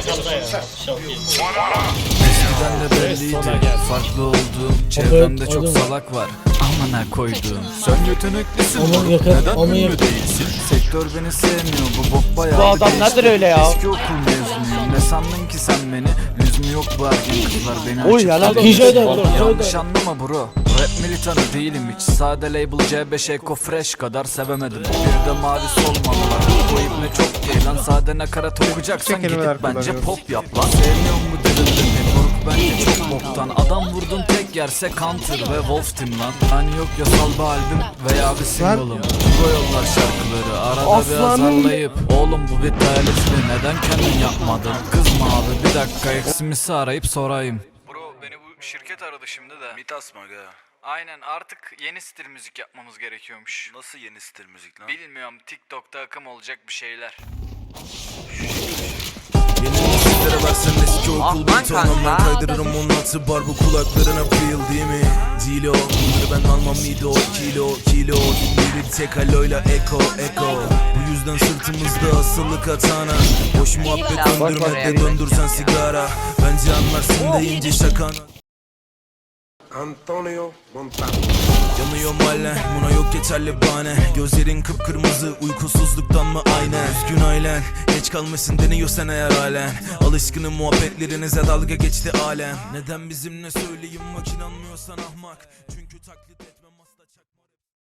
Arkanda ya. Çok iyi. Eskiden de belliydi farklı olduğum. Çevremde çok salak var. Amına koyduğum. Sen yeteneklisin. Neden ünlü değilsin? Sektör beni sevmiyor. Bu bok bayağı. Bu adam nedir öyle ya? Eski okul mezunuyum. Ne sandın ki sen beni? Lüzum yok bu ergen kızlar beni Oy, açıp yalan tanıyor. DJ Yanlış anlama bro. Rap militanı değilim hiç. Sade label C5 Eco Fresh kadar sevemedim. Bir de mavi solmalılar. Bu ibne çok değil lan. Sade nakarat okuyacaksan gidip bence pop yap lan. Sevmiyorum bu dirilimi. Moruk bence çok boktan. Adam vurdun tek yerse Counter ve Wolf Team lan. Hani yok yasal bir albüm veya bir single'ım. Bu yollar şarkıları arada bir azarlayıp. Oğlum bu bir dayalistli neden kendin yapmadın? Kızma abi bir dakika eksimisi arayıp sorayım. Bro beni bu şirket aradı şimdi de. Mitas mı aga? Aynen artık yeni stil müzik yapmamız gerekiyormuş. Nasıl yeni stil müzik lan? Bilmiyorum TikTok'ta akım olacak bir şeyler. Yeni müziklere versen eski okul beat olmam. Kaydırırım 16 bar bu kulaklarına feel değil mi? Dilo bunları ben almam mıydı o kilo biri tek aloyla eko bu yüzden sırtımızda asılı katana. Boş muhabbet döndürme de döndürsen sigara. Bence anlarsın deyince şakana. Antonio Montano. Yanıyor mahalle, buna yok yeterli bahane. Gözlerin kıpkırmızı, uykusuzluktan mı aynen? Üzgün ailen, geç kalmasın deniyor sen eğer halen. Alışkınım muhabbetlerinize dalga geçti alem. Neden bizimle söyleyeyim bak inanmıyorsan ahmak. Çünkü taklit etmem.